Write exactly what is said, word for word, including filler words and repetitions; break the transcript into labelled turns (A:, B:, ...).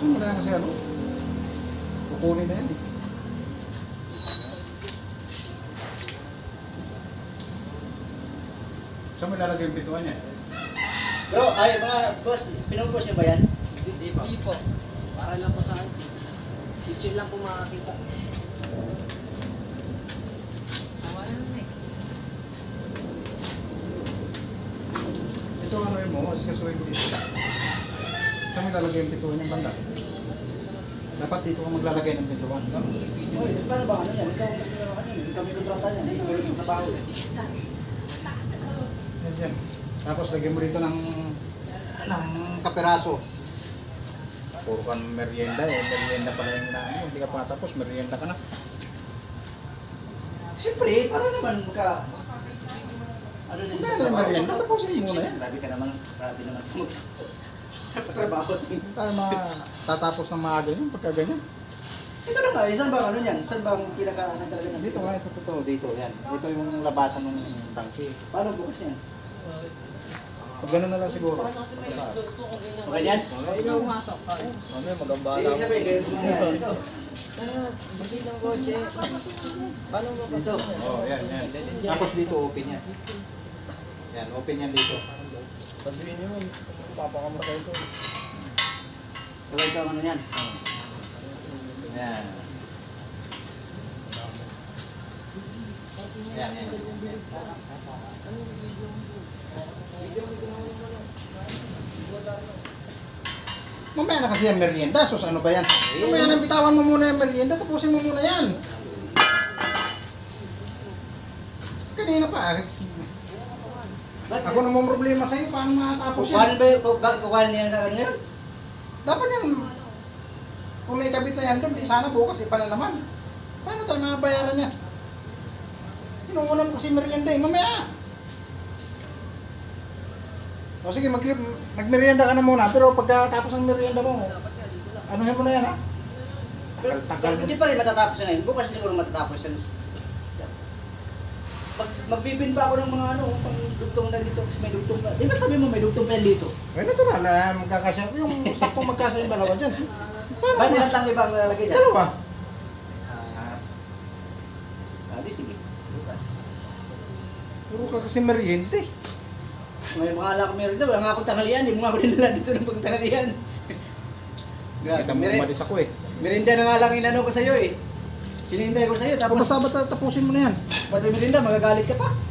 A: Tapusin mo na yan kasi ano. Kukunin na yan eh. Saan mo ilalagay yung bituan niya?
B: Bro, ay mga boss, pinubos niyo ba yan?
C: Hindi po. Hindi po. Para lang po sa akin. Teacher lang po makakita.
A: Ito ano yun mo, iskasuhin mo dito. Saan mo ilalagay yung bituan niya banda? Dapat dito ka maglalagay ng bituan.
B: Oy, paano ba ano yan? Ikaw ang ano yan? Ikaw may kontrata yan. Ikaw may trabaho.
A: Yan, yan. Tapos lagyan mo dito ng ng kaperaso. Puro ka ng merienda eh. Merienda pala yung na ano. Hindi ka pa tapos, merienda ka na.
B: Siyempre, para naman ka... Ano din
A: Ano yung merienda? Tapusin mo muna yan.
B: Grabe ka naman. Grabe naman. Trabaho.
A: Tayo matatapos ng maaga yun pagka ganyan.
B: Ito na nga, isang bang ano yan? Saan bang pinaka ano talaga ng
A: Dito nga, ito, ito, dito, yan. Ito yung labasan ng tangki.
B: Paano bukas yan?
A: Pag gano'n na lang siguro.
B: Okay yan?
C: Ikaw umasok ka.
A: Ano yung magambala
B: Ibig sabihin, ganyan mo yan. Ito.
C: Hindi ng kotse. Paano mo ba
B: Ito.
A: Oh, yan, yan. Tapos dito open yan. Yan, open yan dito.
C: sabihin niyo, papakamatay ko.
B: Okay ito, ano yan?
A: Yan. Yan, yan. Mamaya na kasi yung merienda, sus ano ba yan? Mamaya na bitawan mo muna yung merienda, tapusin mo muna yan. Kanina pa,
B: Ba't
A: ako namang problema sa'yo, paano makatapos
B: kukuhanin
A: yan?
B: ba yung, bakit kukuhanin niya ng ngayon?
A: Dapat yan, kung naikabit na yan doon, di sana bukas ipa na naman. Paano tayo mabayaran yan? Inuunan ko si merienda eh, mamaya. O sige, mag magmerienda ka na muna, pero pagkatapos ng merienda mo, anuhin mo na yan ha?
B: Pero,
A: Tagal
B: pero hindi pa rin matatapos na yun. Bukas siguro matatapos yan. Mag, magbibin pa ako ng mga ano, pang dugtong na dito kasi may dugtong pa. Di ba sabi mo may dugtong pa yan dito?
A: Eh, natural, ah, magkakasya. Yung saktong magkasya yung dalawa dyan. Paano
B: Ba't
A: ba?
B: ilang tang ibang lalagay dyan?
A: Dalawa.
B: Ah, ah, di sige. Bukas.
A: Puro ka kasi merienda eh.
B: May mga alak meron dito. Wala nga akong tanghalian. Hindi mo nga ako dinala dito ng pagtanghalian.
A: Kita mo
B: Meren-
A: umalis ako eh.
B: Merinda na nga lang inano ko sa'yo eh. Hinihintay ko sa'yo.
A: Tapos
B: Tapos,
A: basta tapusin mo na yan.
B: pati merinda, magagalit ka pa.